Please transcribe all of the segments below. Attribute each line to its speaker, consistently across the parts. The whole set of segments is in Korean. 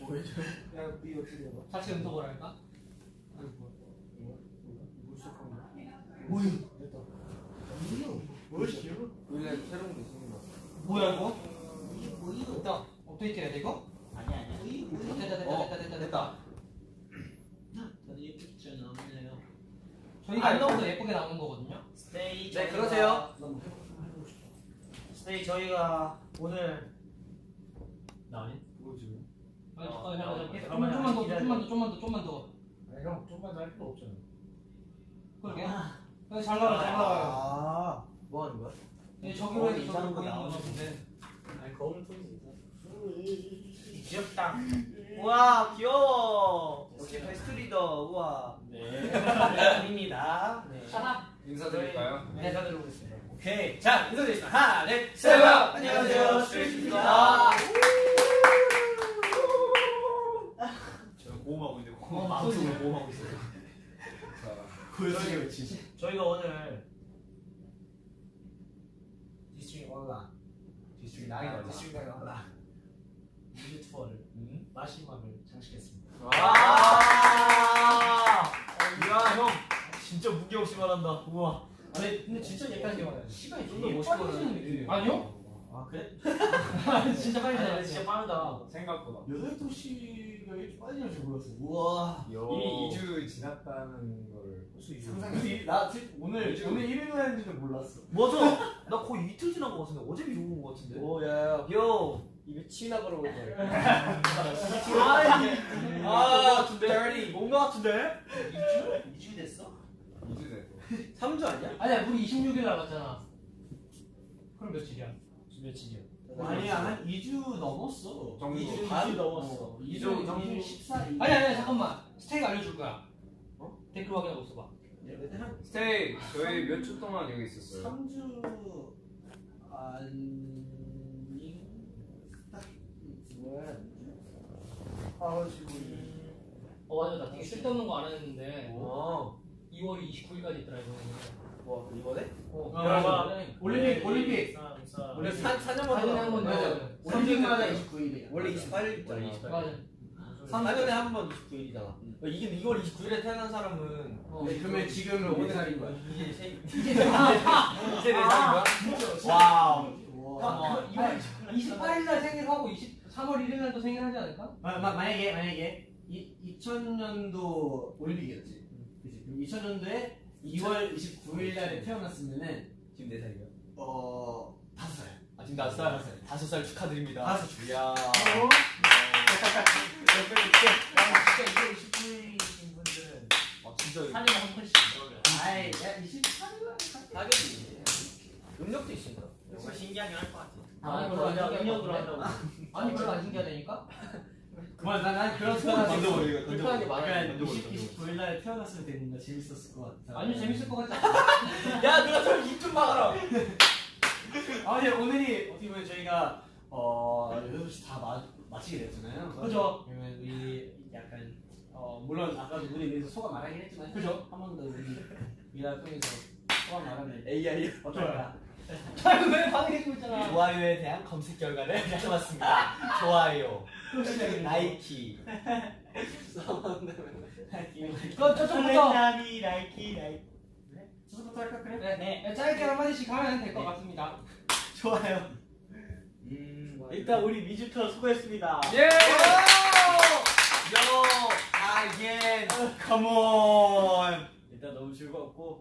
Speaker 1: 야, 이 어떻게 해봐?
Speaker 2: 같이 음성을 할까?
Speaker 1: 뭐야? 됐다. 뭐지?
Speaker 3: 원래 새로운 게 있습니다.
Speaker 2: 뭐야 이거?
Speaker 1: 이게 뭐야?
Speaker 2: 됐다. 업데이트 해야 돼 이거?
Speaker 4: 아니야.
Speaker 2: 됐다.
Speaker 4: 다들 예쁘게 잘 나오네요.
Speaker 2: 저희가 안나오도 예쁘게 나오는 거거든요.
Speaker 4: 스테이.
Speaker 3: 네, 그러세요.
Speaker 1: 나뭐 해보고 싶다.
Speaker 4: 스테이 저희가 오늘 나오니?
Speaker 1: 뭐지?
Speaker 2: 좀만 더.
Speaker 1: 아니 형 좀만 할 필요 없잖아.
Speaker 2: 그러게. 잘 나와요.
Speaker 1: 아, 뭐 하는 거야?
Speaker 2: 저기로 해서
Speaker 4: 이상한
Speaker 2: 저기로
Speaker 4: 거
Speaker 2: 보이는 거
Speaker 4: 나오네.
Speaker 2: 같은데.
Speaker 4: 아니 거울 통이 귀엽다. 우와 귀여워. 역시 베스트 리더. 우와. 네. 아닙니다. 네.
Speaker 3: 인사드릴까요?
Speaker 4: 네, 인사드리겠습니다. 오케이. 자 인사드리겠습니다. 하나, 둘, 셋.
Speaker 3: 셋.
Speaker 4: 안녕하세요. 스트레이트입니다.
Speaker 3: 제가 고음하고 있는데
Speaker 4: 방송을 모험하고 있어요.
Speaker 1: 보여주게 외치지.
Speaker 4: 저희가 오늘 디스트릭 온라 디스트릭 나이가 온라 뮤직 투어를 마지막을 장식했습니다. 이야 형 진짜 무게 없이 말한다. 우와. 아니 근데 진짜 예쁘게 말해. 시간이 좀 더 멋있거든.
Speaker 2: 느낌. 아니요?
Speaker 4: 아 그래?
Speaker 2: 진짜 빨리
Speaker 4: 아니,
Speaker 2: 나왔어.
Speaker 4: 진짜 빠르다.
Speaker 3: 생각보다.
Speaker 1: 8시가 이렇게 빨리 날 줄 몰랐어. 우와.
Speaker 3: 이미 2주 지났다는 걸
Speaker 1: 상상이 나 오늘 1일 했는지도 몰랐어.
Speaker 4: 맞아. 나 거의 이틀 지난 것 같은데 어제 미국 온 것 같은데.
Speaker 1: 오야.
Speaker 4: 요.
Speaker 1: 입에 치나 그러고 있네.
Speaker 4: dirty. 뭔가 같은데? 2주 됐어?
Speaker 3: 2주 됐고.
Speaker 4: 3주 아니야?
Speaker 2: 아니야 우리 26일 나갔잖아. 그럼 며칠이야?
Speaker 4: 며칠이야?
Speaker 1: 아니야 한 2주 넘었어.
Speaker 3: 정도.
Speaker 1: 2주
Speaker 4: 반 넘었어.
Speaker 1: 2주
Speaker 3: 정도.
Speaker 1: 2주 14일.
Speaker 2: 아니야 잠깐만. 스테이크 알려줄 거야. 댓글 확인하고 있어봐.
Speaker 3: 스테이 저희 몇 주 동안 여기 있었어요.
Speaker 1: 3주 아니 딱 뭐야? 아 지금
Speaker 2: 맞아 나 되게 쓸데없는 거 안 했는데
Speaker 4: 어.
Speaker 2: 2월 29일까지 있더라 이거.
Speaker 4: 뭐 이번에?
Speaker 1: 올림픽
Speaker 4: 원래
Speaker 2: 4년에 한번
Speaker 1: 맞아.
Speaker 2: 맞아.
Speaker 1: 올림픽마다 29일이야.
Speaker 4: 원래 28일 있잖아.
Speaker 2: 맞아.
Speaker 4: 4년에 한 번 29일이잖아. 이게 2월 29일에 태어난 사람은
Speaker 1: 그러면 지금은 몇 살인 거야?
Speaker 4: 이제 이제 4살인 거야? 와우.
Speaker 1: 와.
Speaker 2: 28일 날 생일하고 3월 1일 날도 생일하지 않을까?
Speaker 1: 만약에 2000년도 올림픽이었지. 그치? 그럼 2000년도에 2월 29일 날에 태어났으면은
Speaker 4: 지금 4살이요?
Speaker 1: 5살.
Speaker 4: 아 지금 5살? 5살 축하드립니다.
Speaker 1: 5살.
Speaker 4: 이야.
Speaker 1: 진짜 2월 29일이신 분들은
Speaker 4: 진짜
Speaker 2: 사진 한 번씩.
Speaker 1: 아이 야 28일 날
Speaker 4: 하겠지. 음력도 있습니다. 뭔가 신기하긴 할 것 같아.
Speaker 2: 아니 별로 안 신기하다고. 아니 별로 안 신기하다니까?
Speaker 1: 그만 난 그런
Speaker 4: 던져버리고,
Speaker 2: 불편하게 말해.
Speaker 1: 29일 날에 태어났으면 됐는데 재밌었을 것 같아.
Speaker 2: 아니 재밌을 것 같지 않아?
Speaker 4: 야 누가 저 입 좀 막아라.
Speaker 1: 아니 오늘이 어떻게 보면 저희가 6시 다 마치게 됐잖아요.
Speaker 2: 그죠.
Speaker 1: 그러면 우리 약간 물론 아까도 무대에 대해서 소감 말하긴 했지만
Speaker 2: 그죠.
Speaker 1: 한 번 더 우리 미라 통해서 소감 말하면
Speaker 4: AI
Speaker 1: 어떨까?
Speaker 2: 왜 반응해주고 있잖아.
Speaker 4: 좋아요에 대한 검색 결과를 가져왔습니다. 좋아요. 나이키.
Speaker 2: 저쪽부터.
Speaker 4: 나이키.
Speaker 1: 저부터 할까 그래?
Speaker 2: 네. 짧게 한마디씩 하면 될 것 같습니다.
Speaker 4: 좋아요. 일단 우리 뮤지컬 수고했습니다.
Speaker 3: 예!
Speaker 4: Yo, again, come on. 일단 너무 즐거웠고,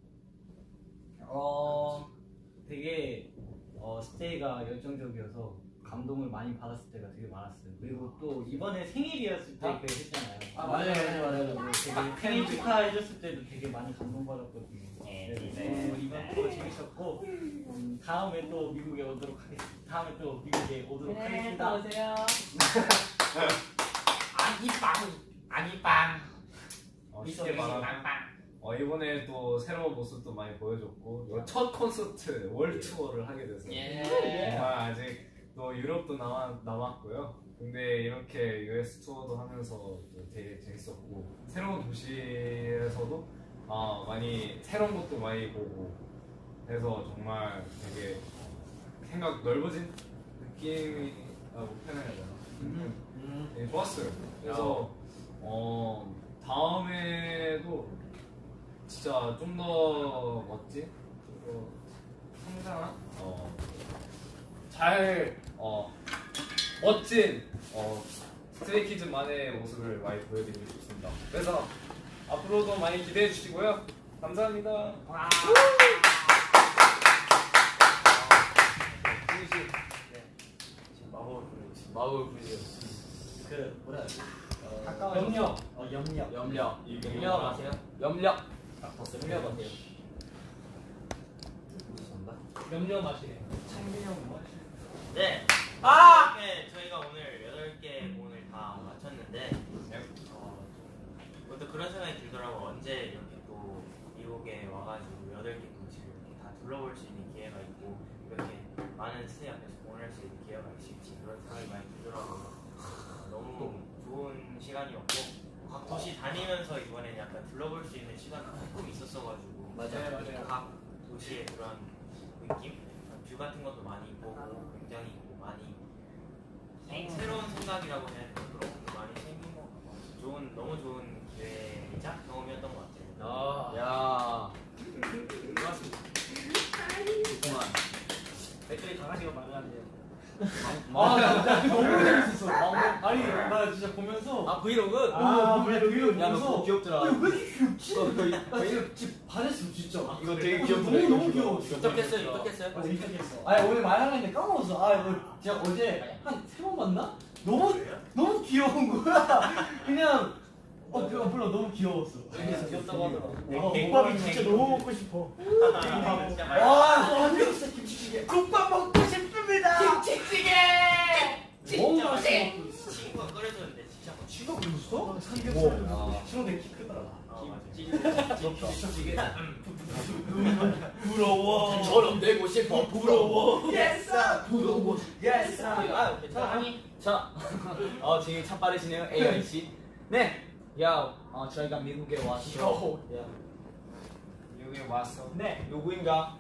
Speaker 4: 되게 스테이가 열정적이어서 감동을 많이 받았을 때가 되게 많았어요. 그리고 또 이번에 생일이었을 때 그 했잖아요.
Speaker 1: 아 맞아요.
Speaker 4: 되게 생일 축하해줬을 때도 되게 많이 감동받았거든요. 그래서 이번 또 재밌었고, 다음에 또 미국에 오도록 하겠습니다. 다음에 또 미국에 오도록 하겠습니다.
Speaker 2: 오세요.
Speaker 4: 아니빵.
Speaker 3: 쉽게 말하면 이번에 또 새로운 모습도 많이 보여줬고 이거 첫 콘서트 월 투어를 하게 돼서 정말 아직 또 유럽도 남았고요. 근데 이렇게 US 투어도 하면서 또 되게 재밌었고 새로운 도시에서도 많이 새로운 것도 많이 보고 해서 정말 되게 생각 넓어진 느낌이 표현해야 되나? 되게 좋았어요. 그래서 다음에도 진짜 좀 더 멋진, 좀 더 성장한, 멋진 스트레이키즈만의 모습을 많이 보여드리고 싶습니다. 그래서 앞으로도 많이 기대해 주시고요. 감사합니다.
Speaker 1: 마법을 부리죠.
Speaker 4: 그 뭐라 해야 지
Speaker 2: 염력.
Speaker 4: 염력.
Speaker 1: 염력 아세요?
Speaker 4: 염력.
Speaker 1: 염력 어때요?
Speaker 2: 염려 맛이에요.
Speaker 5: 네. 이렇게 저희가 오늘 8개 공을 다 마쳤는데 그것도 그런 생각이 들더라고. 언제 이렇게 또 미국에 와가지고 8개 도시를 이렇게 다 둘러볼 수 있는 기회가 있고 이렇게 많은 스테이 앞에서 공을 할 수 있는 기회가 있을지 그런 생각이 많이 들더라고요. 너무 좋은 시간이었고 각 도시 다니면서 이번에는 약간 둘러볼 수 있는 시간이 조금 있었어가지고
Speaker 1: 맞아요.
Speaker 5: 각 도시의 그런 느낌? 뷰 같은 것도 많이 보고 굉장히 많이 새로운 생각이라고 해야 되나 그런 것도 많이 생긴 것 같고 너무 좋은 기회이자 경험이었던 것 같아요.
Speaker 1: 야.
Speaker 4: 그만. 댓글에 강아지가 많았네요.
Speaker 2: 나 그거 너무 재밌었어. 아니 나 진짜 보면서
Speaker 1: 브이로그?
Speaker 2: 브이로그
Speaker 1: 야, 너
Speaker 2: 보면서
Speaker 1: 귀엽더라.
Speaker 2: 왜 이렇게 귀엽지?
Speaker 1: 이거
Speaker 2: 이거 진짜 반했어 진짜.
Speaker 1: 이거 되게
Speaker 2: 너무 귀여워.
Speaker 1: 입덕했어요, 입덕했어요.
Speaker 2: 맞아 입덕했어. 아니 오늘 말하는데 까먹었어. 아 이거 제가 어제 한 3번 봤나? 너무 귀여운 거야. 그냥 몰라 너무 귀여웠어.
Speaker 1: 귀엽다고 하더라.
Speaker 2: 국밥이 진짜 너무 먹고 싶어.
Speaker 5: 진짜 많이
Speaker 2: 완전 진짜 김치찌개. 국밥 먹고 싶습니다. 김치찌개. 너무 맛있어.
Speaker 5: 친구가 끓여줬는데 진짜 뭐
Speaker 2: 친구가 그랬어? 삼겹살. 친구 되게 키 크더라.
Speaker 5: 김치찌개
Speaker 2: 부러워.
Speaker 1: 저럼 되고 싶어. 부러워.
Speaker 2: Yes, 부러워. Yes.
Speaker 1: 아, 괜찮아. 자, 지금 참 빠르시네요, AI 씨. 네. 저희가 미국에 왔어.
Speaker 3: 여기 왔어.
Speaker 2: 네.
Speaker 1: 누구인가?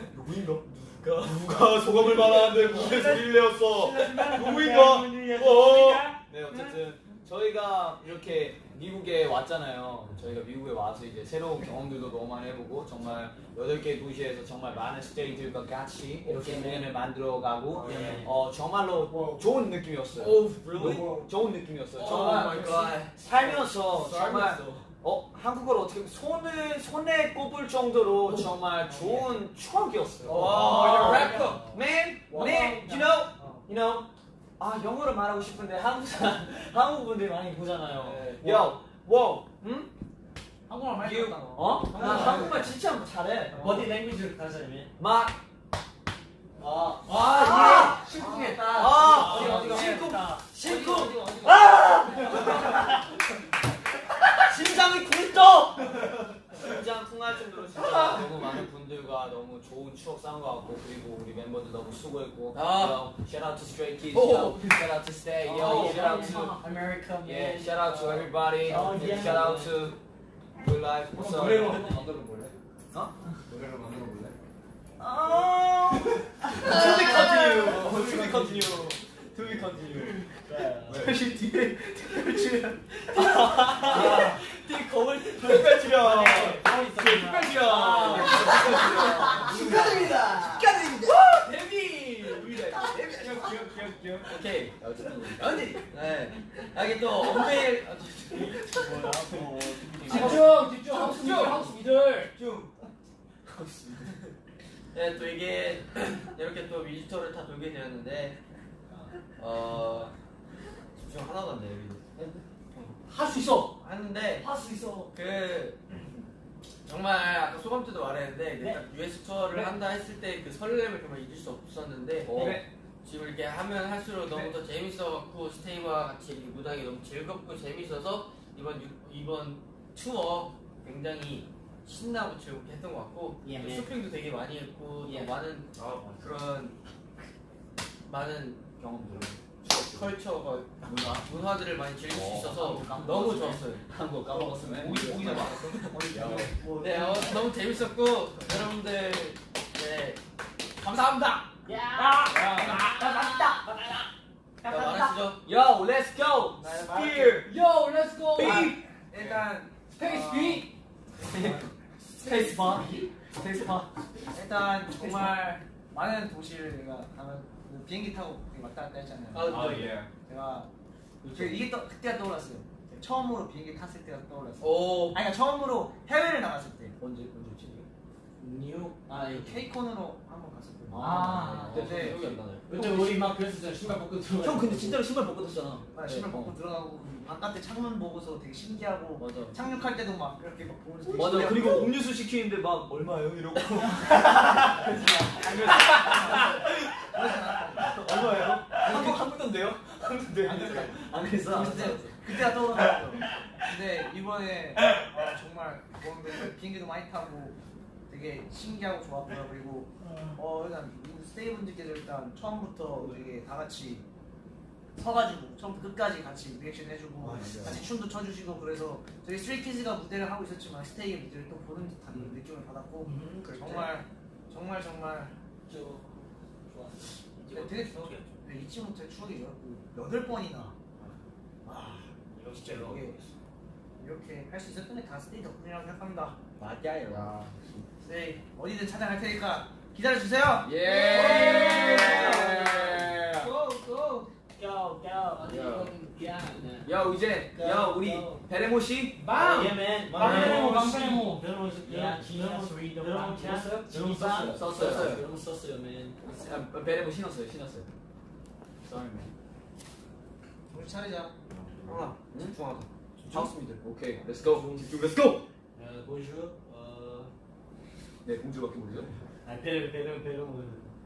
Speaker 1: 누가 소감을 말하는데 무슨 소리를 내었어? 누구인가? 네, 어쨌든 저희가 이렇게 미국에 왔잖아요. 저희가 미국에 와서 이제 새로운 경험들도 너무 많이 해보고 정말 8개 도시에서 정말 많은 스테이들과 같이 이렇게 공연을 만들어가고 정말로 좋은 느낌이었어요. 좋은 느낌이었어요. 정말 살면서 정말 한국어로 어떻게 손에 꼽을 정도로 정말 좋은 추억이었어요. Man, you know. 영어로 말하고 싶은데 한국 분들이 많이 보잖아요. 응?
Speaker 2: 한국말 많이
Speaker 1: You-
Speaker 2: 했다.
Speaker 1: 나 한국말 진짜 잘해.
Speaker 4: 버디 랭귀지를 가르쳐주면.
Speaker 1: 실패했다.
Speaker 4: 실쿵.
Speaker 1: 심장이 굴떡! 심장 통할 정도로 진짜 너무 많은 분들과 너무 좋은 추억 쌓은 것 같고 그리고 우리 멤버들 너무 수고했고 shout out to Stray Kids, shout out to Stay, shout out to
Speaker 4: America.
Speaker 1: shout out to everybody, shout out to Good Life. What's up?
Speaker 3: 노래로 만들어 볼래? 노래로 만들어 볼래?
Speaker 1: To be continue.
Speaker 2: 사실 뒤에
Speaker 1: 특별 출연.
Speaker 4: 특별
Speaker 2: 축하드립니다.
Speaker 1: 데뷔. 오케이.
Speaker 2: 여기 또 엄베일 집중 하우스 미들
Speaker 6: 네, 또 이게 이렇게 또 뮤지컬을 다 돌게 되었는데 집중 하나도 안 돼요.
Speaker 2: 할 수 있어.
Speaker 6: 하는데
Speaker 2: 할 수 있어.
Speaker 6: 정말 아까 소감 때도 말했는데 딱 US 투어를 한다 했을 때 그 설렘을 정말 잊을 수 없었는데 지금 이렇게 하면 할수록 너무 더 재밌어갖고 스테이와 같이 이렇게 무대하기 너무 즐겁고 재밌어서 이번 투어 굉장히 신나고 즐겁게 했던 것 같고 또 쇼핑도 되게 많이 했고 또 많은 그런 많은 경험들 컬처가 문화들을 많이 즐길 수 있어서 너무 좋았어요.
Speaker 1: 한국 까먹었으면
Speaker 6: 오기 네, 너무 재밌었고 여러분들 네 감사합니다.
Speaker 2: 맛있다.
Speaker 6: 자, 말하시죠.
Speaker 1: Yo, let's go.
Speaker 6: 나
Speaker 1: Spear.
Speaker 2: Yo, let's go.
Speaker 6: 일단
Speaker 2: 스페이스 B. 스페이스 바. 스페이스 바.
Speaker 7: 일단 정말 많은 도시를 내가 가면 그 비행기 타고 왔다 갔다 했잖아요.
Speaker 3: 아 예.
Speaker 7: 제가 이게 그때가 떠올랐어요. 제가 처음으로 비행기 탔을 때가 떠올랐어요.
Speaker 6: 오.
Speaker 7: 아니 그러니까 처음으로 해외를 나갔을 때.
Speaker 2: 언제지?
Speaker 7: 뉴 케이콘으로 한번 갔었거든요.
Speaker 2: 아,
Speaker 7: 근데
Speaker 1: 기억이 안 나네.
Speaker 2: 그때 우리 막 그랬었잖아. 신발 벗고 들어.
Speaker 1: 형 근데 진짜로 신발 벗고 탔잖아.
Speaker 7: 신발 벗고 들어가고 바깥에 창문 보고서 되게 신기하고
Speaker 1: 맞아.
Speaker 7: 착륙할 때도 막 이렇게 막 보면서 되게
Speaker 1: 맞아.
Speaker 7: 신기하고.
Speaker 1: 그리고 음료수 시키는데 막 얼마예요? 이러고. 얼마예요? 한국 돈데요? 한국 돈데요? 안 그랬어?
Speaker 7: 그때가 떠올랐어요. 근데 이번에 정말 뭔데 비행기도 많이 타고 되게 신기하고 좋았고요. 그리고 일단 스테이 분들께서 일단 처음부터 되게 다 같이 서가지고 처음부터 끝까지 같이 리액션 해주고 같이 춤도 춰주시고 그래서 저희 스트레이키즈가 무대를 하고 있었지만 스테이의 무대를 또 보는 듯한 느낌을 받았고 정말 좋았어요. 되게 잊지 못할 추억이죠. 8번이나 진짜 이렇게 할 수 있었던 게 다 스테이 덕분이라고 생각합니다.
Speaker 1: 맞아요.
Speaker 7: 네, 어디든 찾아갈 테니까 기다려주세요.
Speaker 1: 예. 야 이제 야 우리 베레모 씨.
Speaker 2: 빵!
Speaker 4: 예맨.
Speaker 2: 빵!
Speaker 4: 빵!
Speaker 2: 여러분
Speaker 1: 썼어요. 썼어요.
Speaker 2: 여러분 썼어요, 맨.
Speaker 1: 베레모 신었어요. Sorry man.
Speaker 7: 우리 차리자.
Speaker 6: 형아, 집중하자.
Speaker 1: 하우스미들. 오케이. Let's go. Let's go.
Speaker 2: 보여줘.
Speaker 1: 네 공주밖에 모르죠.
Speaker 4: 배려.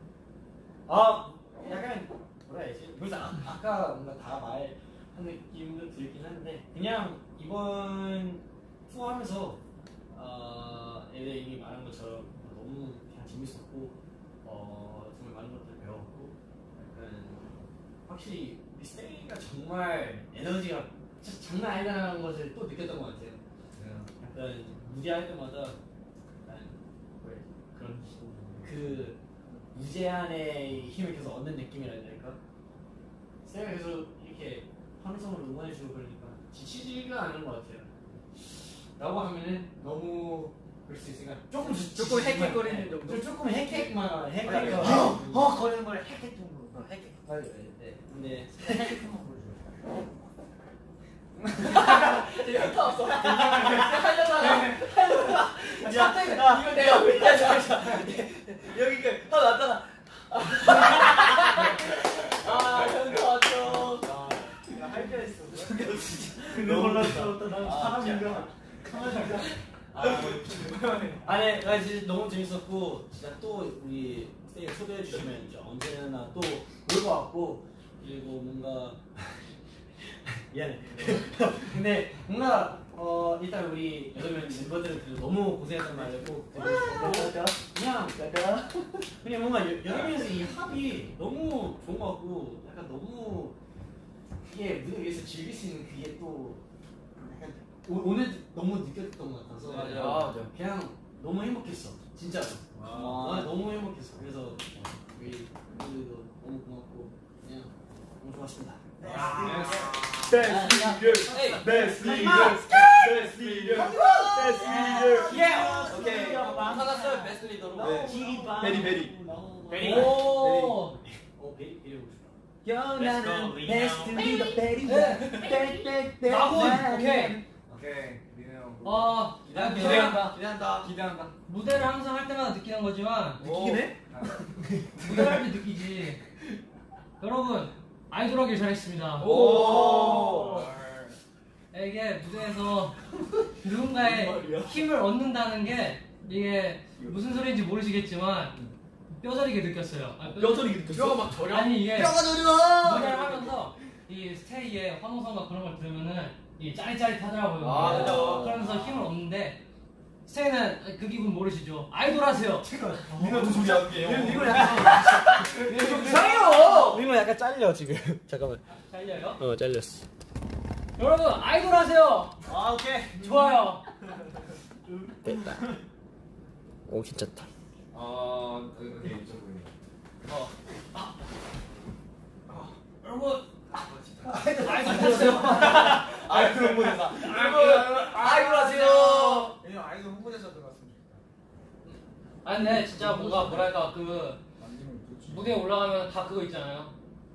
Speaker 4: 약간 뭐라 해야지? 그래서 아까 뭔가 다 말한 느낌도 들긴 한데 그냥 이번 투어 하면서 애들 이미 말한 것처럼 너무 그냥 재밌었고 정말 많은 것들 배웠고 약간 확실히 우리 스테이가 정말 에너지가 진짜 장난 아니다라는 것을 또 느꼈던 것 같아요. 약간 무대할 때마다 약간 그런 그 무제한의 힘을 계속 얻는 느낌이라 해야 될까? 쌤이 계속 이렇게 환성으로 응원해주고 그러니까 지치지가 않은 것 같아요. 라고 하면은 너무 그럴 수 있으니까 조금
Speaker 7: 헥헥거리는 정도?
Speaker 4: 조금 헥헥만
Speaker 7: 거리는 걸 헥헥 정도. 헥헥.
Speaker 4: 네. 근데
Speaker 7: 헥헥 한번 보여줘.
Speaker 1: 이거 내가 여기 그 하나 왔잖아. 현수 왔죠.
Speaker 7: 할게 했어.
Speaker 4: 근데 몰랐어. 난 사람인가? 아니, 나 진짜 너무 재밌었고 진짜 또 우리 스테이를 초대해 주시면 이제 언제나 또 올 것 같고 그리고 뭔가 미안해. 근데 뭔가 일단 우리 8명 멤버들은 너무 고생했단 말이고 그냥 뭔가 8명이서 이 합이 너무 좋은 것 같고 약간 너무 이게 무대 위에서 즐길 수 있는 그게 또 약간 오늘 너무 느꼈던 것 같아서
Speaker 1: 맞아.
Speaker 4: 그냥 너무 행복했어 진짜로. 너무 행복했어. 그래서 우리 멤버들도 너무 고맙고 그냥 너무 좋았습니다.
Speaker 1: Best leader. 오케이.
Speaker 6: 하나 써요, 베스트 리더로.
Speaker 1: 베리.
Speaker 4: 오! 베리 보고 싶다.
Speaker 7: 나는 베스트 리더 베리.
Speaker 2: 나훈! 오케이.
Speaker 3: 민우 형.
Speaker 6: 기대한다.
Speaker 2: 무대를 항상 할 때마다 느끼는 거지만
Speaker 1: 느끼긴 해?
Speaker 2: 무대를 할 때 느끼지. 여러분 아이돌 하길 잘했습니다.
Speaker 1: 오.
Speaker 2: 이게 무대에서 누군가의 힘을 얻는다는 게 이게 무슨 소리인지 모르시겠지만 뼈저리게 느꼈어요.
Speaker 1: 뼈저리게 느꼈어?
Speaker 6: 뼈가 막 저려.
Speaker 2: 아니 이게
Speaker 7: 뼈가 저려.
Speaker 2: 무대를 하면서 이 스테이의 환호성과 그런 걸 들으면은 이 짜릿짜릿하더라고요.
Speaker 1: 아, 그죠.
Speaker 2: 그러면서 힘을 얻는데 스테이는 그 기분 모르시죠? 아이돌 하세요.
Speaker 1: 민호 소리 할게요.
Speaker 7: 이거 약간
Speaker 1: 이상해요.
Speaker 6: 민호 약간 잘려 지금. 잠깐만.
Speaker 2: 잘려요?
Speaker 6: 잘렸어.
Speaker 2: 여러분 아이돌 하세요.
Speaker 7: 오케이.
Speaker 2: 좋아요.
Speaker 6: 됐다. 오 괜찮다.
Speaker 3: 오케이 이쪽 보이네.
Speaker 4: 여러분
Speaker 1: 아이돌 홍보대사. 아이돌 하세요.
Speaker 7: 왜냐면 아이돌 홍보대사 들어갔으면 좋겠다.
Speaker 2: 아 근데 진짜 뭔가 뭐랄까 그 무대에 올라가면 다 그거 있잖아요.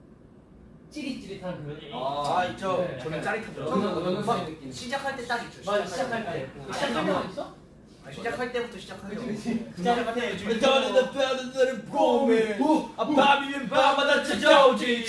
Speaker 2: 찌릿찌릿한 그.
Speaker 7: 아 있죠.
Speaker 2: 네.
Speaker 7: 저는 짜릿하죠.
Speaker 2: 저는 막 느낌.
Speaker 7: 시작할 때 딱 있죠.
Speaker 2: 맞아 시작할 때. 시작할 때 있어?
Speaker 7: 시작할 때부터 시작하죠.
Speaker 2: 시작할 때.
Speaker 1: 떠는 뼈는 봄에 밤이면 밤마다 찾아오지.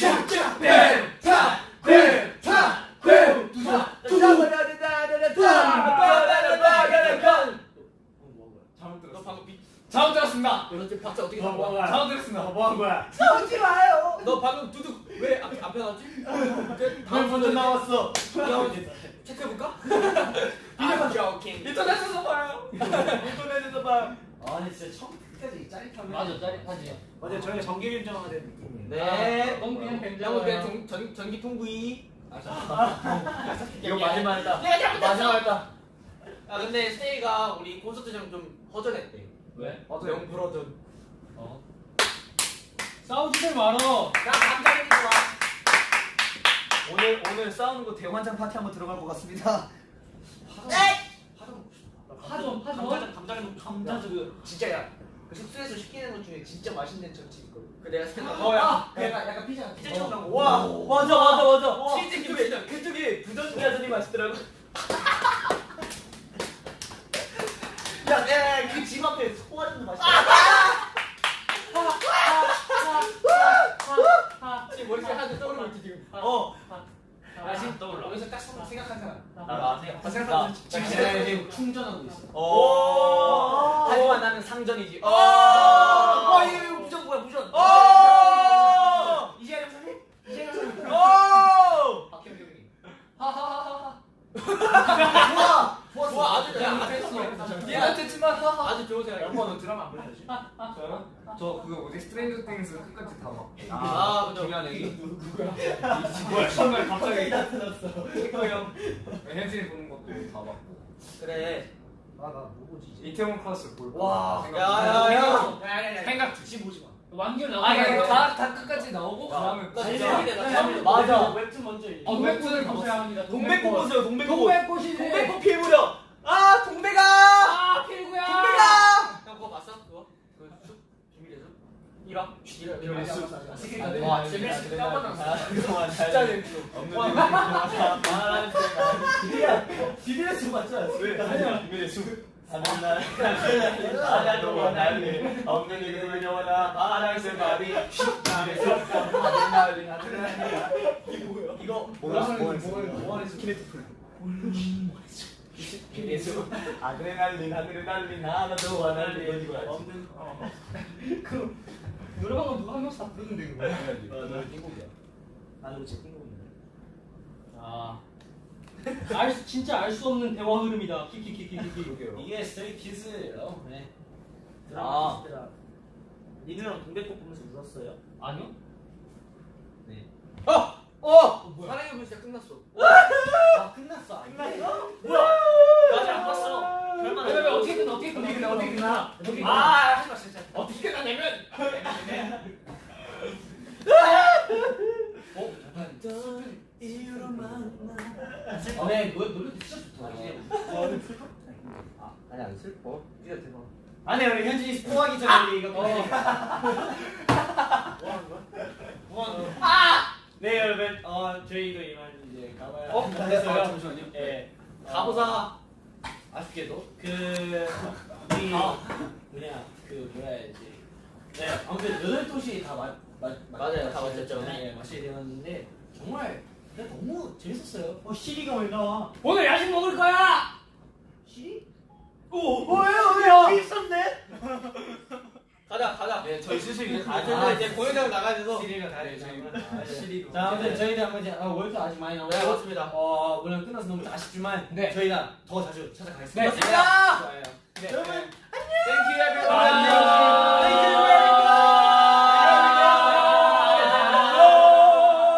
Speaker 6: 너 방금 비
Speaker 2: 잘못 들었습니다.
Speaker 6: 너 지금 박자 어떻게 한
Speaker 2: 뭐
Speaker 6: 거야?
Speaker 2: 잘못 들었습니다.
Speaker 3: 뭐 한 거야?
Speaker 7: 싸우지 마요.
Speaker 6: 너 방금 두둑 왜 앞에 나왔지?
Speaker 2: 다음 번째 나왔어.
Speaker 6: 체크해볼까?
Speaker 5: I'm joking.
Speaker 6: 인터넷에서 봐요. 인터넷에서 봐요.
Speaker 2: 아 근데 진짜 처음까지 짜릿하면. 맞아 짜릿하지.
Speaker 7: 맞아요. 저희가 정기 결정하는 느낌이에요.
Speaker 6: 네.
Speaker 2: 너무 그냥
Speaker 6: 양호
Speaker 2: 뱀장어야.
Speaker 6: 그냥 전기 통구이.
Speaker 1: 이거 마지막이다.
Speaker 6: 내가 잘못했어.
Speaker 1: 마지막이다.
Speaker 6: 아 근데 스테이가 우리 콘서트장 좀 허전했대.
Speaker 2: 왜?
Speaker 6: 영 불허전.
Speaker 2: 어. 싸우지들 말어.
Speaker 6: 나 감자는 좋아.
Speaker 1: 오늘 싸우는 거 대환장 파티 한번 들어갈 것 같습니다.
Speaker 2: 파전.
Speaker 7: 감자전 진짜야. 그 숙소에서 시키는 것 중에 진짜 맛있는 전집 있거든.
Speaker 6: 그 내가 시켰나?
Speaker 2: 야, 약간 피자.
Speaker 7: 피자처럼 나온 거.
Speaker 1: 와 맞아.
Speaker 6: 치즈 김치.
Speaker 1: 그쪽이 부전자전이 맛있더라고.
Speaker 7: 그 집 앞에 소화전도 맛있어.
Speaker 6: 지금 머릿속에 하나 떠오르고 있지 지금.
Speaker 2: 아 지금 떠올라.
Speaker 7: 여기서 딱 생각한 사람.
Speaker 1: 나
Speaker 7: 생각하면
Speaker 2: 지금 내가 지금 충전하고 있어.
Speaker 6: 하지만 나는 상전이지.
Speaker 7: 이거 무전 뭐야 무전. 이재현 선생님? 이재현 선생님.
Speaker 6: 박현경 형님.
Speaker 2: 하하하하.
Speaker 6: 좋아 아주
Speaker 2: 얘한테 지만 하하.
Speaker 6: 아주 좋은 생각이야.
Speaker 7: 너 드라마 안 보셨지?
Speaker 3: 저요? 저 그거 뭐지? 스트레인저 띵스 끝까지 다 봐.
Speaker 6: 아 그죠.
Speaker 1: 중요한 얘기.
Speaker 3: 뭐야 정말 갑자기
Speaker 6: 형.
Speaker 3: 현진이 보는 것도 다 봤고.
Speaker 6: 그래.
Speaker 7: 뭐 보지 이제?
Speaker 3: 이태원 클래스 볼 거.
Speaker 7: 와.
Speaker 6: 야야야.
Speaker 3: 생각
Speaker 7: 지금 보지 마.
Speaker 2: 완결
Speaker 3: 아
Speaker 2: 나와.
Speaker 3: 다 끝까지 나오고 그다음에
Speaker 6: 나 진짜 나 처음
Speaker 1: 맞아.
Speaker 7: 웹툰 먼저 읽어.
Speaker 2: 웹툰을 보셔야 합니다.
Speaker 1: 동백꽃 보세요. 동백꽃.
Speaker 2: 동백꽃이지.
Speaker 1: 동백꽃 피해보려. 아 동백아.
Speaker 2: 아 필구야.
Speaker 1: 동백아.
Speaker 6: 형 그거 봤어? 그거? 그 숲? 비밀의 숲? 1화?
Speaker 7: 비밀의 숲.
Speaker 6: 와 재밌을 때 까먹었어.
Speaker 1: 그동안
Speaker 6: 진짜 재밌어.
Speaker 1: 없는
Speaker 7: 비밀의 숲 맞죠?
Speaker 1: 왜? 비밀의 숲. 하는 날 하나도 날리 없는 이름을 영원한 파란색 바위 비밀의 숲 하는 날리 하는 날 이거 뭐야? 키네티풀 비밀의 숲 하늘에 날린 하늘에 날린 하나도 안 날린 이거 알지?
Speaker 2: 노래방은 누가 한 명씩 다 부르는데 이거.
Speaker 1: 너 띵곡이야.
Speaker 7: 나도 제 띵곡인데.
Speaker 2: 아. 진짜 알 수 없는 대화 흐름이다. 키키키키키.
Speaker 7: 이게 스트레이 키즈예요. 네.
Speaker 1: 아.
Speaker 7: 니누 형 동백꽃 보면서 울었어요?
Speaker 2: 아니요?
Speaker 6: 사랑의 불 진짜 끝났어.
Speaker 7: 아 끝났어.
Speaker 1: 끝났어?
Speaker 7: 아직 안 봤어. 별만
Speaker 2: 왜 어떻게 끝나? 어떻게 끝나?
Speaker 7: 하지 마 진짜.
Speaker 6: 어떻게 끝나냐면
Speaker 2: 네 노래도 진짜 좋다.
Speaker 6: 아니 안 슬퍼. 네가 대박.
Speaker 2: 아니 우리 현진이 스포하기 전에 우리 이거 네 여러분 저희도 이만 이제 가봐야 됐어요.
Speaker 1: 잠시만요.
Speaker 2: 예.
Speaker 6: 가보자.
Speaker 2: 아쉽게도 우리 뭐냐 뭐라 해야지. 네 아무튼 8도시 다
Speaker 6: 맞아요, 다 맞췄죠.
Speaker 2: 네 마시게 되었는데 정말 그냥 너무 재밌었어요. 시리가 왜 나와? 오늘 야식 먹을 거야. 시리? 왜요? 있었네.
Speaker 6: 가자.
Speaker 1: 네 저희 슬슬 이제
Speaker 6: 아, 이제 공연장 나가셔서.
Speaker 2: 시리가 다
Speaker 1: 네, 저희 시리도.
Speaker 2: 자, 아무튼 저희들 한번 이제 월드 아직 많이 남았고
Speaker 6: 네, 맞습니다.
Speaker 2: 물론 끝나서 너무 아쉽지만
Speaker 6: 네.
Speaker 2: 저희가 더 자주 찾아가겠습니다.
Speaker 6: 네, 맞습니다.
Speaker 2: 좋아요. 네.
Speaker 6: 여러분, Thank you everyone.
Speaker 2: 안녕.